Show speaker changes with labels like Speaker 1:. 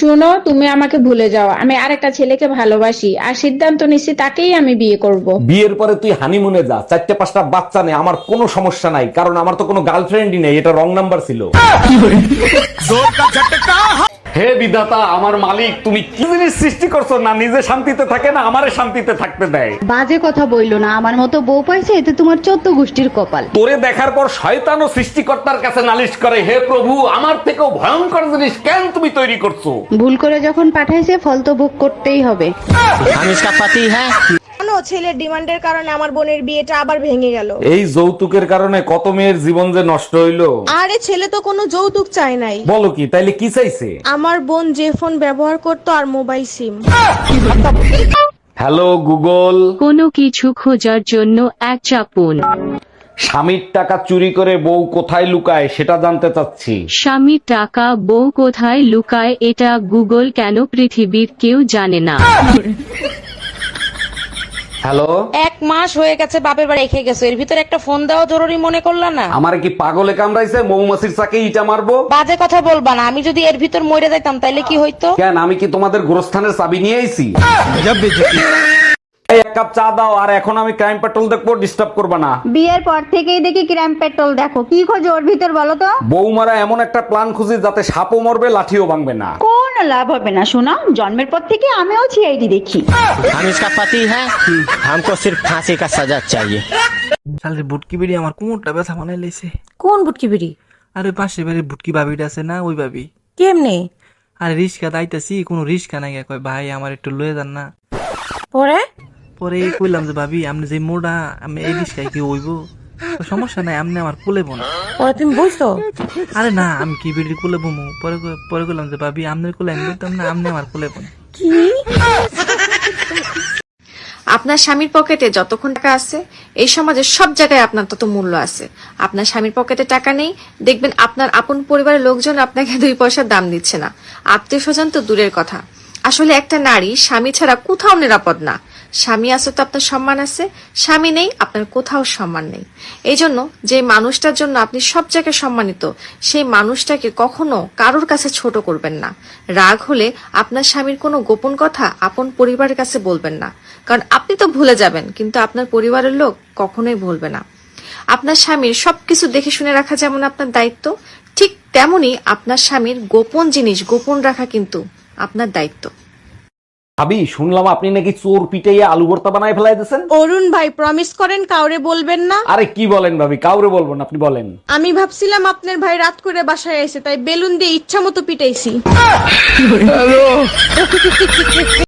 Speaker 1: শুনো, তুমি আমাকে ভুলে যাও। আমি আরেকটা ছেলেকে ভালোবাসি আর সিদ্ধান্ত নিচ্ছি তাকেই আমি বিয়ে করব।
Speaker 2: বিয়ের পরে তুই হানিমুনে যা, 4-5টা বাচ্চা নেই, আমার কোনো সমস্যা নাই, কারণ আমার তো কোনো গার্লফ্রেন্ডই নেই, এটা রং নাম্বার ছিল। হে বিধাতা, আমার মালিক, তুমি কি জিনিস সৃষ্টি করছো, না নিজে শান্তিতে থাকে না আমারে শান্তিতে থাকতে দেয়।
Speaker 3: বাজে কথা বইলো না, আমার মতো বউ পাইছে এতে তোমার 14 গোষ্ঠীর কপাল।
Speaker 2: তোরে দেখার পর শয়তানও সৃষ্টিকর্তার কাছে নালিশ করে, হে প্রভু, আমার থেকেও ভয়ঙ্কর জিনিস কেন তুমি তৈরি করছো।
Speaker 3: ভুল করে যখন পাঠাইছে ফল তো ভোগ করতেই হবে।
Speaker 4: हम इसका पति है।
Speaker 5: জানো, ছেলের ডিমান্ডের কারণে আমার বোনের বিয়েটা আবার ভেঙে গেল।
Speaker 2: এই যৌতুকের কারণে কত মেয়ের জীবন যে নষ্ট হইলো।
Speaker 5: আরে ছেলে তো কোনো যৌতুক চায় নাই।
Speaker 2: বলো কি, তাইলে কি চাইছে?
Speaker 5: আমার বোন যে ফোন ব্যবহার করতো আর মোবাইল সিম।
Speaker 2: হ্যালো গুগল,
Speaker 6: কোনো কিছু খোঁজার জন্য এক চাপুন।
Speaker 2: স্বামীর টাকা চুরি করে বউ কোথায় লুকায় সেটা জানতে চাচ্ছি।
Speaker 6: স্বামীর টাকা বউ কোথায় লুকায় এটা গুগল কেন পৃথিবীর কেউ জানে না।
Speaker 2: হ্যালো,
Speaker 7: 1 মাস হয়ে গেছে বাপের বাড়ি রেখে গেছো, এর ভিতরে একটা ফোন দেওয়া জরুরি মনে করলা না?
Speaker 2: আমার কি পাগলে কামড়াইছে, মৌমাছির চাকে ইটা মারবো?
Speaker 7: বাজে কথা বলবা না, আমি যদি এর ভিতর মরে যাইতাম তাইলে কি হইতো?
Speaker 2: কেন, আমি কি তোমাদের গোরস্থানের চাবি নিয়ে আইছি? এই, 1 কাপ চা দাও। আর এখন আমি ক্রাইম পেট্রোল দেখবো, ডিস্টার্ব করবা না।
Speaker 3: বিয়ের পর থেকেই দেখি ক্রাইম পেট্রোল দেখো, কি খোঁজো ওর ভিতর বলো তো?
Speaker 2: বৌমারা এমন একটা প্ল্যান খুঁজি যাতে সাপও মরবে লাঠিও ভাঙবে না।
Speaker 3: কোন লাভ হবে না শোনা, জন্মের পর থেকে আমিও সিআইডি দেখি।
Speaker 4: हम इसका पति है। हमको सिर्फ फांसी का सजा चाहिए।
Speaker 8: শালের বুটকি বিড়ি আমার কোমরটা ব্যথা বানাই লাইছে।
Speaker 7: কোন বুটকি বিড়ি?
Speaker 8: আরে পাশে বাড়ির বুটকি ভাবিটা আছে না, ওই ভাবি।
Speaker 7: কেমনে?
Speaker 8: আরে রিস্কা দাইতাছি, কোনো রিস্কা নাই, কয় ভাই আমার একটু লয়ে যান না।
Speaker 7: পরে
Speaker 8: পরে কইলাম যে ভাবি আপনি যে মোড়া, আমি এই রিস্কায় কি হইব? তো সমস্যা নাই, আপনি আমার কোলে বোন।
Speaker 7: পরে তুমি বুঝছো?
Speaker 8: আরে না, আমি কি বিড়ির কোলে বমু? পরে কইলাম যে ভাবি আপনার কোলে আমি বলতাম না, আপনি আমার কোলে বোন।
Speaker 9: আপনার স্বামীর পকেটে যতক্ষণ টাকা আছে এই সমাজের সব জায়গায় আপনার তত মূল্য আছে। আপনার স্বামীর পকেটে টাকা নেই, দেখবেন আপনার আপন পরিবারের লোকজন আপনাকে 2 পয়সার দাম দিচ্ছে না, আত্মীয় স্বজন তো দূরের কথা। আসলে একটা নারী স্বামী ছাড়া কোথাও নিরাপদ না। স্বামী আছে তো আপনার সম্মান আছে, স্বামী নেই আপনার কোথাও সম্মান নেই। এই জন্য যে মানুষটার জন্য আপনি সব জায়গায় সম্মানিত, সেই মানুষটাকে কখনো কারোর কাছে ছোট করবেন না। রাগ হলে আপনার স্বামীর কোনো গোপন কথা আপন পরিবারের কাছে বলবেন না, কারণ আপনি তো ভুলে যাবেন কিন্তু আপনার পরিবারের লোক কখনোই ভুলবে না। আপনার স্বামীর সবকিছু দেখে শুনে রাখা যেমন আপনার দায়িত্ব, ঠিক তেমনি আপনার স্বামীর গোপন জিনিস গোপন রাখা কিন্তু আপনার দায়িত্ব।
Speaker 2: ভাবি, শুনলাম আপনি নাকি চোর পিটাইয়া আলু ভর্তা বানায় ফেলাই দিয়েছেন।
Speaker 5: অরুণ ভাই প্রমিস করেন কাউরে বলবেন না।
Speaker 2: আরে কি বলেন ভাবি, কাউরে বলবো না, আপনি বলেন।
Speaker 5: আমি ভাবছিলাম আপনার ভাই রাত করে বাসায় এসে তাই বেলুন দিয়ে ইচ্ছা মতো পিটাইছি।